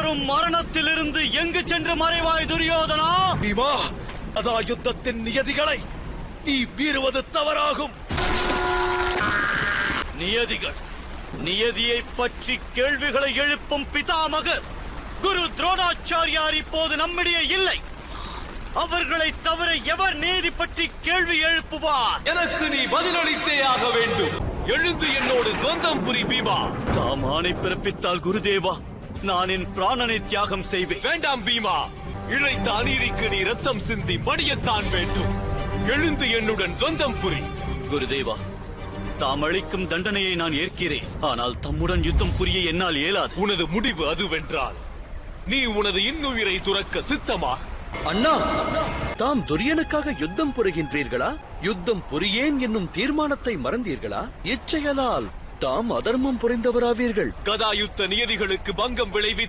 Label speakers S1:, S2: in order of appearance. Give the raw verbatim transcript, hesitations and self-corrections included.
S1: வரும் மரணத்திலிருந்து எங்கு சென்று மறைவாய் துரியோதனா?
S2: பீமா, அதா யுத்தத்தின் நியதிகளை நீ மீறுவது தவறாகும்.
S1: நியதிகள் நியதியை பற்றி கேள்விகளை எழுப்பும் பிதாமகர் குரு துரோணாச்சாரியார் இப்போது நம்மிடையே இல்லை. அவர்களை தவிர எவர் நீதி பற்றி கேள்வி எழுப்புவார்?
S2: எனக்கு நீ பதிலளித்தே ஆக வேண்டும். எழுந்து என்னோடு துவந்தம் புரி பீமா.
S1: தாம் ஆணை பிறப்பித்தால் குருதேவா, நான் என் பிராணனை தியாகம் செய்வேன்.
S2: வேண்டாம் பீமா, இழைத்த அநீதிக்கு நீ ரத்தம் சிந்தி மடியத்தான் வேண்டும். எழுந்து என்னுடன் துவந்தம் புரி.
S1: குருதேவா, தாம் அளிக்கும் தண்டனையை நான் ஏற்கிறேன். ஆனால் தம்முடன் யுத்தம் புரிய என்னால் இயலாது.
S2: உனது முடிவு அதுவென்றால் நீ உனது இன்னுயிரை துறக்க சித்தமா?
S3: அண்ணா, தாம் துரியனுக்காக யுத்தம் புரிகின்றீர்களா? யுத்தம் புரியேன் என்னும் தீர்மானத்தை மறந்தீர்களா? இச்செயலால் தாம் அதர்மம் புரிந்தவராவீர்கள்.
S2: கதாயுத்த நியதிகளுக்கு பங்கம் விளைவி